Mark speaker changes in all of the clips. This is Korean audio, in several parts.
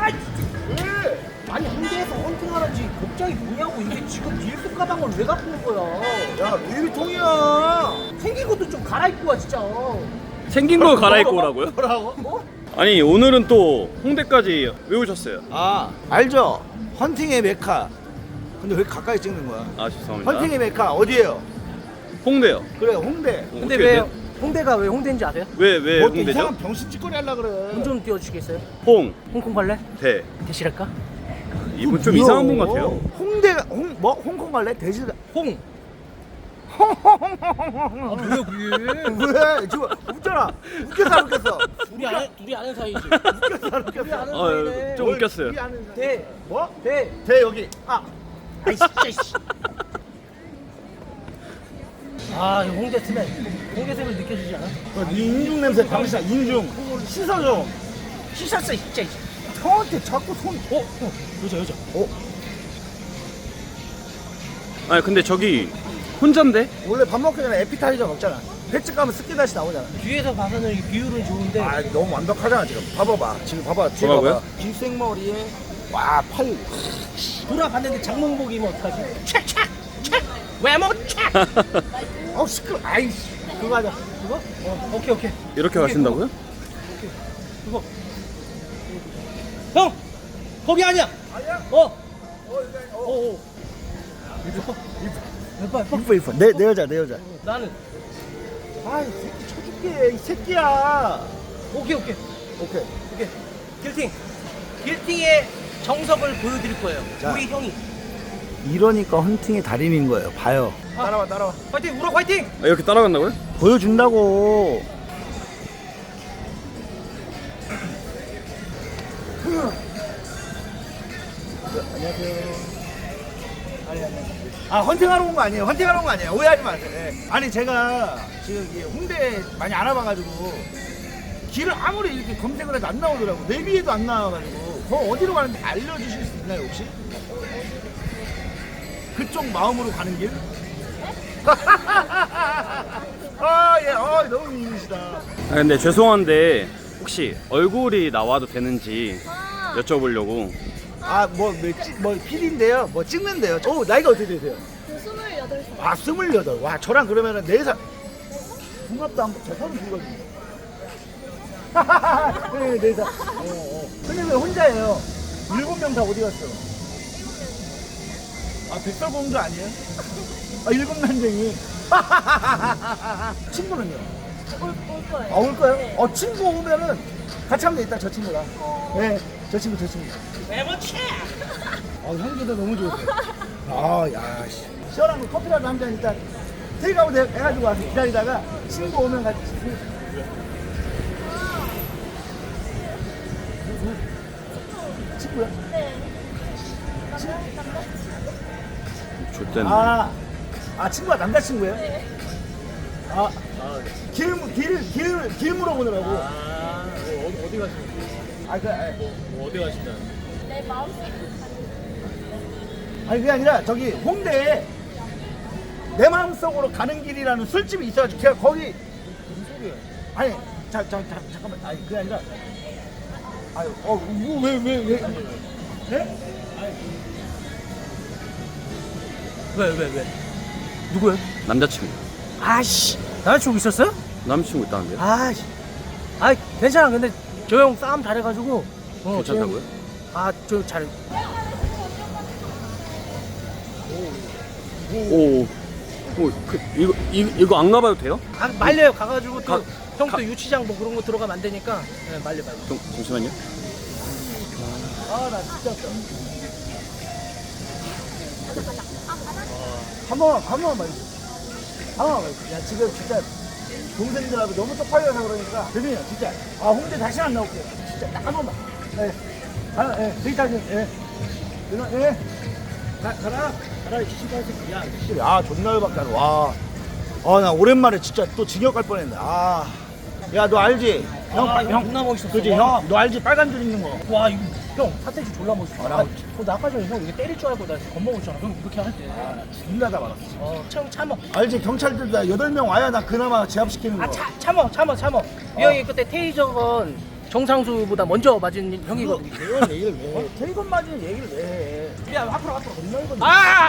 Speaker 1: 왜? 아니 홍대에서 헌팅하라지 걱정이 뭐냐고. 이게 지금 일속 가방을 왜 갖고 온 거야?
Speaker 2: 야 루이비통이야.
Speaker 1: 생긴 것도 좀 갈아입고 와 진짜.
Speaker 3: 생긴 거 갈아입고 오라고요?
Speaker 2: 뭐라고?
Speaker 1: 뭐?
Speaker 3: 아니 오늘은 또 홍대까지 왜 오셨어요?
Speaker 2: 아 알죠? 헌팅의 메카. 근데 왜 가까이 찍는 거야?
Speaker 3: 아 죄송합니다.
Speaker 2: 헌팅의 메카 어디예요?
Speaker 3: 홍대요.
Speaker 2: 그래 홍대.
Speaker 1: 근데
Speaker 3: 어떻게
Speaker 1: 왜
Speaker 3: 돼?
Speaker 1: 홍대가 왜 홍대인지 아세요?
Speaker 3: 왜
Speaker 2: 뭐
Speaker 3: 홍대죠?
Speaker 2: 이상한 병신 찌꺼리 하려 그래.
Speaker 1: 돈 좀 띄워주시겠어요? 홍콩 갈래?
Speaker 3: 대.
Speaker 1: 대실할까?
Speaker 3: 이분 좀 이상한 분 같아요.
Speaker 2: 홍대가 홍콩 갈래? 대실
Speaker 1: 홍. 아 뭐야 그게?
Speaker 2: 왜? 지금 웃잖아. 웃겨서 안 웃겼어.
Speaker 1: 둘이 아는 사이지.
Speaker 2: 웃겼어 안
Speaker 1: 둘이
Speaker 2: 웃겼어.
Speaker 1: 아는
Speaker 3: 아,
Speaker 1: 사이네.
Speaker 3: 좀 웃겼어요.
Speaker 2: 우리 아는 사이.
Speaker 1: 대.
Speaker 2: 뭐?
Speaker 1: 대.
Speaker 2: 대 여기.
Speaker 1: 아. 아이씨. 아 이거 홍대 스멜. 홍대 스멜 느껴지지 않아?
Speaker 2: 인중 냄새 병신아 인중. 씻어줘.
Speaker 1: 씻었어 진짜.
Speaker 2: 형한테 자꾸 손.
Speaker 1: 여자.
Speaker 3: 아니 근데 저기 혼잔데?
Speaker 2: 원래 밥 먹기 전에 에피타이저 먹잖아. 횟집 가면 습기 다시 나오잖아.
Speaker 1: 뒤에서 봐서는 이 비율은 좋은데.
Speaker 2: 아 너무 완벽하잖아 지금. 봐봐봐. 지금 봐봐. 뒤에
Speaker 3: 뭐라고요?
Speaker 2: 봐봐. 긴 와 팔.
Speaker 1: 돌아봤는데 장몽복 입으면 어떡하지? 촥촥 촥 외모 촥.
Speaker 2: 시끄러. 아이씨.
Speaker 1: 그거 하자. 그거? 오케이.
Speaker 3: 이렇게 가신다고요?
Speaker 1: 그거. 형 거기 아니야.
Speaker 2: 아니야?
Speaker 1: 어. 예뻐.
Speaker 2: 이뻐. 내 여자.
Speaker 1: 나는
Speaker 2: 아이 새끼 쳐줄게 이 새끼야.
Speaker 1: 오케이. 길팅의 정석을 보여드릴 거예요.
Speaker 2: 자.
Speaker 1: 우리 형이.
Speaker 2: 이러니까 헌팅의 달인인 거예요. 봐요. 따라와.
Speaker 1: 화이팅 우럭 화이팅.
Speaker 3: 아, 이렇게 따라간다고요?
Speaker 2: 보여준다고. 안녕하세요. 헌팅하러 온 거 아니에요. 오해하지 마세요. 네. 아니 제가 지금 이 홍대 많이 알아봐가지고 길을 아무리 이렇게 검색을 해도 안 나오더라고. 내비에도 안 나와가지고 거 어디로 가는지 알려주실 수 있나요 혹시? 그쪽 마음으로 가는 길? 너무 미인이시다.
Speaker 3: 아 근데 죄송한데 혹시 얼굴이 나와도 되는지 여쭤보려고.
Speaker 2: 뭐 PD인데요. 뭐 찍는데요. 나이가 어떻게 되세요?
Speaker 4: 28살.
Speaker 2: 28. 와, 저랑 그러면은 4살. 중학도 안 저 32거든요. 네, 4살. 근데 왜 혼자예요? 7명 다 어디 갔어? 백설공주 아니에요? 일곱 난쟁이. 친구는요?
Speaker 4: 올 거예요.
Speaker 2: 올 거예요?
Speaker 4: 네.
Speaker 2: 친구 오면은 같이 하면 되겠다, 저 친구랑. 네, 저 친구.
Speaker 1: 외모 촥.
Speaker 2: 향기도 너무 좋으세요. 야, 씨. 시원한 거 커피라도 한 잔 일단 테이크아웃 해가지고 와서 기다리다가 친구 오면 같이. 친구야?
Speaker 4: 네.
Speaker 3: 좋댄.
Speaker 2: 친구가 남자친구예요?
Speaker 4: 네.
Speaker 2: 길 물어보느라고.
Speaker 1: 어디 가시는? 어디 가신다는?
Speaker 4: 내 마음속에
Speaker 2: 그게 아니라 저기 홍대에 내 마음속으로 가는 길이라는 술집이 있어가지고 제가 거기
Speaker 1: 무슨 소리야?
Speaker 2: 아니 잠깐만 그게 아니라 왜 네?
Speaker 1: 왜? 누구야?
Speaker 3: 남자친구.
Speaker 1: 아씨 남자친구 있었어요?
Speaker 3: 남자친구 있다는데요?
Speaker 1: 아씨. 괜찮아. 근데 저 형 싸움 잘해가지고.
Speaker 3: 괜찮다고요?
Speaker 1: 저 잘.
Speaker 3: 이거 안 가봐도 돼요?
Speaker 1: 말려요. 가가지고 또 형
Speaker 3: 가-
Speaker 1: 또 유치장 뭐 그런 거 들어가면 안 되니까. 네, 말려.
Speaker 3: 잠시만요.
Speaker 2: 나 진짜 없다. 한 번만 말해줘. 야 지금 진짜 동생들하고 너무 쪽팔려서 그러니까 죄송해요 진짜. 홍대 다시 안 나올게요. 진짜 딱 한 번만. 데이트하세요. 가라 시시발 새끼. 야 존나 열받게 하네. 나 오랜만에 진짜 또 징역 갈 뻔했네. 야 너 알지? 형
Speaker 1: 존나 멋있었어.
Speaker 2: 그지
Speaker 1: 와.
Speaker 2: 형 너 알지? 빨간 줄 있는 거.
Speaker 1: 와 이거 형 사태지 졸라 멋있어.
Speaker 2: 나
Speaker 1: 나 아까 전에 형 이게 때릴 줄 알고 나 겁먹었잖아. 형 이렇게 할 때.
Speaker 2: 존나 다 말았어.
Speaker 1: 참어.
Speaker 2: 알지? 경찰들 다 8명 와야 나 그나마 제압시키는 거.
Speaker 1: 참어. 이 형이 그때 테이저건 정상수보다 먼저 맞은 형이거든요.
Speaker 2: 그런 얘기를 왜 해? 태건 맞은 얘기를 왜 해?
Speaker 1: 야 앞으로 앞으로.
Speaker 2: 겁나 이건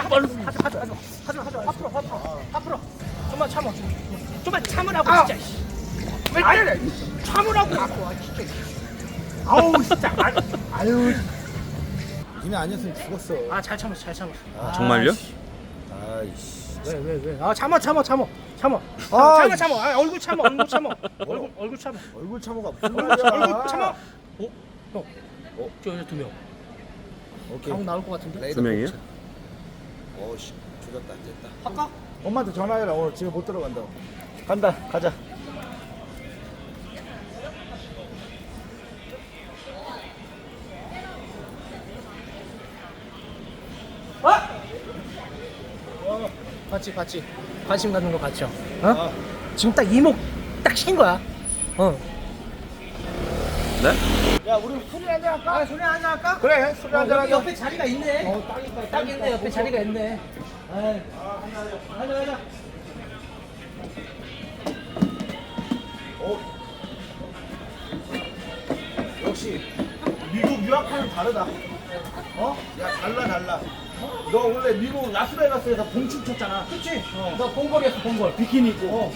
Speaker 1: 하지마 앞으로 좀만 참아 좀만 참으라고 진짜 왜
Speaker 2: 아니
Speaker 1: 참으라고 진짜
Speaker 2: 아우 진짜 아유 니네 아니었으면 죽었어.
Speaker 1: 잘 참았어
Speaker 3: 정말요?
Speaker 2: 아이씨.
Speaker 1: 왜 참아 얼굴 참아
Speaker 2: 얼굴 참호가 무슨 말이야?
Speaker 1: 얼굴 참아 저 여자 2명
Speaker 2: 오케이.
Speaker 1: 방 나올 것 같은데
Speaker 3: 2명이요?
Speaker 2: 어씨 조졌다 안 됐다.
Speaker 1: 할까?
Speaker 2: 엄마한테 전화해라. 오늘 집에 못 들어간다고. 간다. 가자.
Speaker 1: 봤지 관심 갖는 거 봤죠? 지금 딱 이목 딱 신 거야
Speaker 3: 네?
Speaker 2: 야 우리 술이 한잔 할까?
Speaker 1: 소리 한잔 할까?
Speaker 2: 그래 술이 한잔
Speaker 1: 여기
Speaker 2: 할까?
Speaker 1: 옆에 자리가 있네 딱 있네 옆에 자리가 있네 하자
Speaker 2: 역시 미국 유학파는 다르다. 야 달라. 너 원래 미국 라스베가스에서 봉춤 췄잖아.
Speaker 1: 그치? 너 봉골이었어 봉골
Speaker 2: 비키니 입고.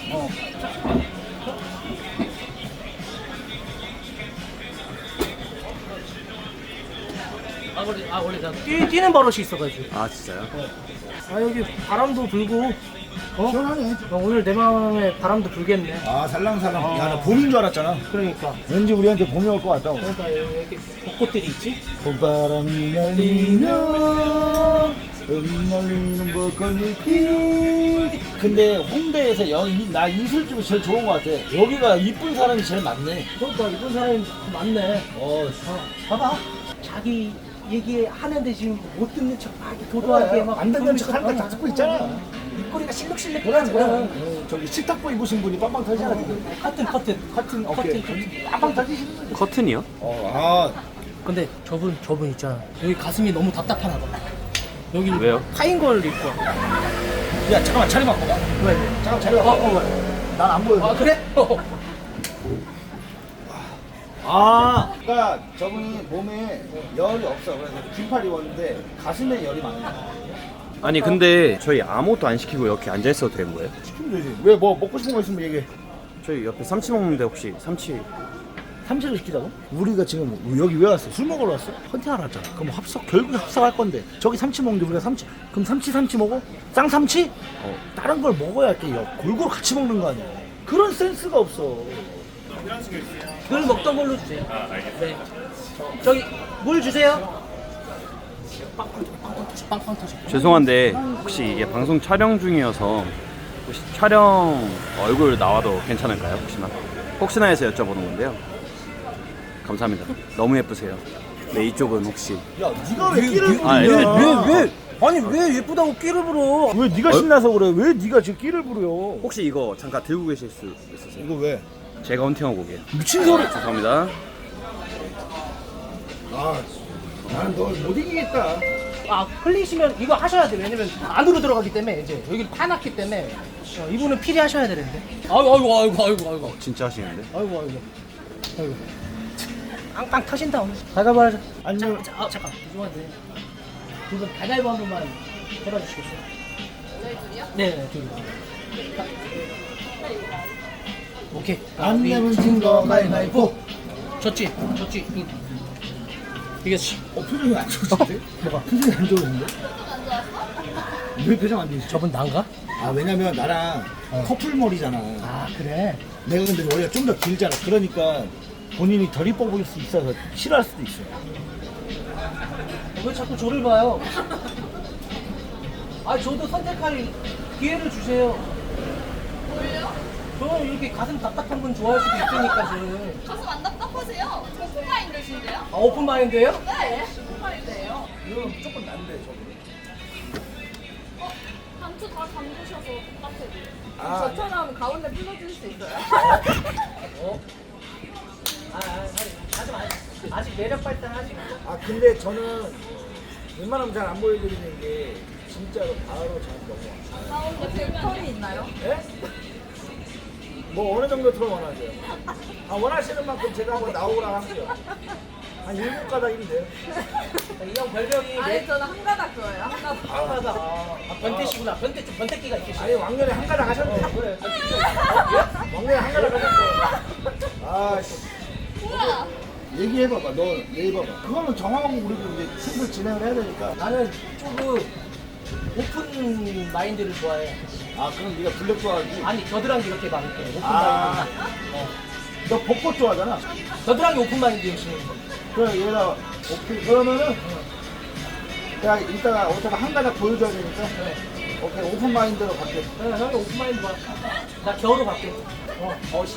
Speaker 1: 원래 나 뛰는 버릇이 있어가지고
Speaker 3: 아 진짜요?
Speaker 1: 여기 바람도 불고
Speaker 2: 시원하네.
Speaker 1: 오늘 내 마음에 바람도 불겠네
Speaker 2: 아 살랑살랑. 야 나 봄인 줄 알았잖아.
Speaker 1: 그러니까
Speaker 2: 왠지 우리한테 봄이 올 것 같다고.
Speaker 1: 그러니까 이렇게 벚꽃들이 있지?
Speaker 2: 봄바람이 날리며 흩날리는 벚꽃잎이. 근데 홍대에서 나 이술집이 제일 좋은 것 같아. 여기가 이쁜 사람이 제일 많네.
Speaker 1: 그러니까 이쁜 사람이 많네 봐봐 자기 얘기하는데 지금 못 듣는 척 막 이렇게 도도하게 막
Speaker 2: 안 듣는 척 하니까 다 듣고 있잖아.
Speaker 1: 입꼬리가 실룩실룩
Speaker 2: 그래. 저기 식탁보 입으신 분이 빵빵 터지잖아 지금.
Speaker 1: 커튼
Speaker 2: 빵빵 터지시는 거지.
Speaker 3: 커튼이요?
Speaker 1: 근데 저분 있잖아 여기 가슴이 너무 답답하나 봐 여기
Speaker 3: 왜요?
Speaker 1: 파인 걸 입고 와.
Speaker 2: 야 잠깐만 자리 바꿔.
Speaker 1: 왜?
Speaker 2: 잠깐 자리 바꿔. 난 안 보여.
Speaker 1: 그래?
Speaker 2: 그러니까 저분이 몸에 열이 없어. 그래서 긴팔 입었는데 가슴에 열이 많아.
Speaker 3: 아니 근데 저희 아무것도 안 시키고 이렇게 앉아 있어도 되는 거예요?
Speaker 2: 시키면 되지. 왜 뭐 먹고 싶은 거 있으면 얘기해.
Speaker 3: 저희 옆에 삼치 먹는데 혹시 삼치
Speaker 2: 삼치를 시키자고? 우리가 지금 여기 왜 왔어? 술 먹으러 왔어? 헌팅하러 왔잖아. 그럼 결국 합석할 건데 저기 삼치 먹는데 우리가 삼치 그럼 삼치 먹어? 쌍삼치? 다른 걸 먹어야 이렇게 골고루 같이 먹는 거 아니야. 그런 센스가 없어.
Speaker 1: 그걸 먹던 걸로 주세요 알겠습니다 네. 저기 물 주세요 빵빵 터져
Speaker 3: 죄송한데 혹시 이게 방송 촬영 중이어서 혹시 촬영 얼굴 나와도 괜찮을까요? 혹시나 해서 여쭤보는 건데요. 감사합니다. 너무 예쁘세요. 네 이쪽은 혹시
Speaker 2: 야 네가 왜 끼를 부르냐?
Speaker 1: 아니 왜 예쁘다고 끼를 부러
Speaker 2: 왜 네가 신나서 그래? 왜 네가 지금 끼를 부려?
Speaker 3: 혹시 이거 잠깐 들고 계실 수 있으세요?
Speaker 2: 이거 왜?
Speaker 3: 제가 헌팅하고 오게요.
Speaker 2: 미친 소리.
Speaker 3: 죄송합니다.
Speaker 2: 나는 널 못 이기겠다.
Speaker 1: 흘리시면 이거 하셔야 돼 왜냐면 안으로 들어가기 때문에 이제 여기를 파놨기 때문에 이분은 필히 하셔야 되는데 아이고
Speaker 3: 진짜 하시는데?
Speaker 1: 아이고 빵빵 터진다 오늘 가위바위보 하자
Speaker 2: 아니면
Speaker 1: 잠깐 죄송한데 두분 가위바위보 한 번만 해봐주시겠어요?
Speaker 4: 저희 둘이요?
Speaker 1: 네 둘이 오케이
Speaker 2: 안 내면 진거 가위바위보.
Speaker 1: 졌지 이겼지
Speaker 2: 표정이 안 좋으신데? 뭐가? 표정이 안 좋으신데? 왜 표정 안 좋으시죠?
Speaker 1: 저분 난가?
Speaker 2: 왜냐면 나랑 커플 머리잖아.
Speaker 1: 그래
Speaker 2: 내가 근데 머리가 좀 더 길잖아. 그러니까 본인이 덜 이뻐 보일 수 있어서 싫어할 수도 있어.
Speaker 1: 왜 자꾸 저를 봐요? 저도 선택할 기회를 주세요.
Speaker 4: 뭘요?
Speaker 1: 저는 이렇게 가슴 답답한 분 좋아할 수도 있으니까 저는.
Speaker 4: 가슴 안 답답하세요? 오픈마인드신데요?
Speaker 1: 오픈마인드예요?
Speaker 4: 네, 오픈마인드예요.
Speaker 2: 이건 무조건 난데 저거.
Speaker 4: 단추 다 잠그셔서 똑같아요.
Speaker 2: 아,
Speaker 4: 저처럼 가운데 풀어줄 수 있어요?
Speaker 1: 아직 매력 발달하지
Speaker 2: 근데 저는 웬만하면 잘 안 보여드리는 게 진짜로 바로 잘 넘어와.
Speaker 4: 가운데 백턴이 있나요?
Speaker 2: 예? 뭐 어느 정도 더 원하세요? 아, 원하시는 만큼 제가 한번 나오라 할게요. 한 7가닥이면 돼요.
Speaker 1: 이 형 별명이
Speaker 4: 아니 저는 한 가닥 좋아해요. 한 가닥.
Speaker 1: 하다가 아, 변태시구나. 변태 좀 변태기가 있으시네.
Speaker 2: 아니, 왕년에 한 가닥 하셨네.
Speaker 1: 그래.
Speaker 2: 왕년에 한 가닥 하셨어. 아, 씨.
Speaker 4: 뭐야?
Speaker 2: 얘기해봐봐. 너 얘기해봐봐. 그거는 정하고 우리도 이제 슬슬 진행을 해야 되니까.
Speaker 1: 나는 조금 오픈 마인드를 좋아해.
Speaker 2: 아, 그럼 네가 블랙 좋아하지?
Speaker 1: 아니 겨드랑이 이렇게 막 이렇게 오픈
Speaker 2: 아.
Speaker 1: 마인드.
Speaker 2: 너 벚꽃 좋아하잖아.
Speaker 1: 겨드랑이 오픈 마인드 열심히.
Speaker 2: 그래, 얘가 오케이. 그러면은 내가 이따가 어차피 한 가닥 보여줘야 되니까
Speaker 1: 그래.
Speaker 2: 오케이, 오픈 마인드로 갈게.
Speaker 1: 그래 형이 오픈 마인드 좋아. 나 겨우로 갈게.
Speaker 2: 씨.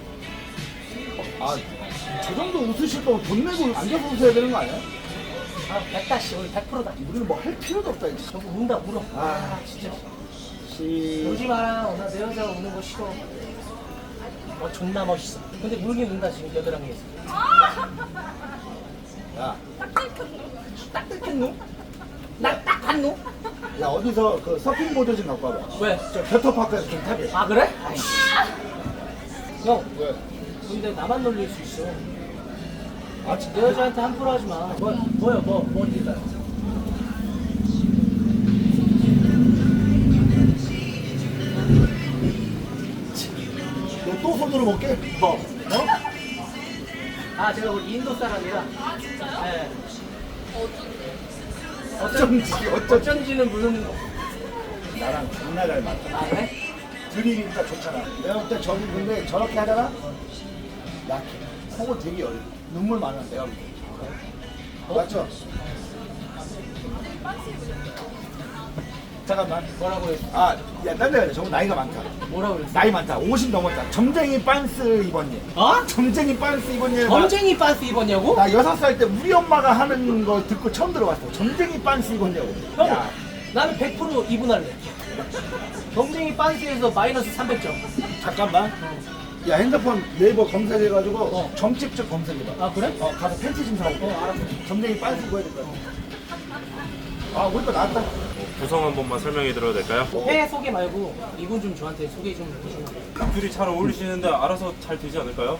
Speaker 2: 아, 저 정도 웃으실 거면 돈 내고 앉아서 웃어야 되는 거 아니야?
Speaker 1: 아 100다씨 오늘 100%다.
Speaker 2: 우리는 뭐 할 필요도 없다, 이제.
Speaker 1: 저거 운다 울어.
Speaker 2: 아,
Speaker 1: 진짜.
Speaker 2: 시.
Speaker 1: 울지 마라. 나 내 여자가 우는 거 싫어. 존나 멋있어. 근데 울긴 운다 지금 겨드랑이에서.
Speaker 2: 야,
Speaker 1: 딱 뜯긴 놈? 나딱한 놈?
Speaker 2: 야, 어디서 그 서핑보드 좀 갖고 와봐.
Speaker 1: 왜?
Speaker 2: 저 겨터파크에서 좀 타게.
Speaker 1: 아 그래? 아이씨. 형
Speaker 2: 왜?
Speaker 1: 근데 나만 놀릴 수 있어.
Speaker 2: 아,
Speaker 1: 내
Speaker 2: 진짜?
Speaker 1: 여자한테 함부로 하지 마. 뭐 일단.
Speaker 2: 너 또 손으로 먹게?
Speaker 1: 뭐? 아 제가 우리 인도 사람이라.
Speaker 4: 아 진짜요?
Speaker 1: 네.
Speaker 4: 어쩐지.
Speaker 1: 어쩐지는 모르는 거.
Speaker 2: 나랑 존나 잘 맞다.
Speaker 1: 아 그래?
Speaker 2: 드리니까 좋잖아. 내가 볼 때 저기 근데 저렇게 하다가 약해. 속을 되게 열려. 눈물 많아, 내가 볼 때. 맞죠? 잠깐만.
Speaker 1: 뭐라고 했어?
Speaker 2: 아, 야, 딴 데가 저거 나이가 많다.
Speaker 1: 뭐라고 그랬어?
Speaker 2: 나이 많다. 50 넘었다. 점쟁이 빤스 입었니?
Speaker 1: 어?
Speaker 2: 점쟁이 빤스 입었니?
Speaker 1: 점쟁이 반스 입었냐고?
Speaker 2: 나 6살 때 우리 엄마가 하는 거 듣고 처음 들어봤어. 점쟁이 빤스 입었냐고.
Speaker 1: 형
Speaker 2: 야,
Speaker 1: 나는 100% 이분할래. 점쟁이 반스에서 마이너스 300점.
Speaker 2: 잠깐만. 야, 핸드폰 네이버 검색해가지고 점집적 검색해봐.
Speaker 1: 아 그래?
Speaker 2: 가서 팬티 좀 사올게. 알았어. 점쟁이 빤스 입어야 될 거야. 아, 우리 거 나왔다.
Speaker 5: 구성 한 번만 설명해 드려도 될까요?
Speaker 1: 회 소개 말고 이분 좀 저한테 소개 좀 해주시면.
Speaker 5: 둘이 잘 어울리시는데 알아서 잘 되지 않을까요?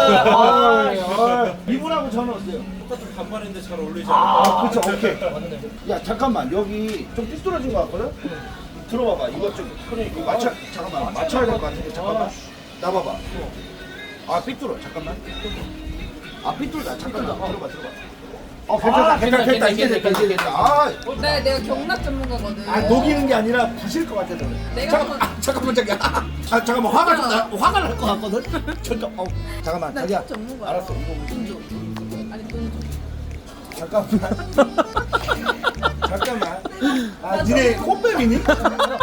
Speaker 2: 이분하고 저는 어때요?
Speaker 5: 똑같은 반반인데 잘 어울리지
Speaker 2: 아, 그쵸, 오케이.
Speaker 1: 맞네.
Speaker 2: 야, 잠깐만. 여기 좀 삐뚤어진 거 같거든? 들어봐봐. 이거 좀. 이거 맞춰, 잠깐만. 맞춰야 될 것 같은데. 잠깐만. 나봐봐. 아, 삐뚤어. 잠깐만. 아, 삐뚤다. 잠깐만. 들어봐. 괜찮다. 괜찮다. 이제 됐다. 이제 됐다. 아,
Speaker 4: 네, 내가 경락 전문가거든.
Speaker 2: 아, 녹이는 게 아니라 부실 것 같아서.
Speaker 4: 내가
Speaker 2: 잠깐만, 잠깐만. 화가 날 것 같거든? 잠깐만.
Speaker 4: 나
Speaker 2: 자기야.
Speaker 4: 전문가야.
Speaker 2: 알았어. 이거
Speaker 4: 돈 줘. 아니 돈 줘.
Speaker 2: 잠깐만. 잠깐만. 아, 니네 꽃뱀이니?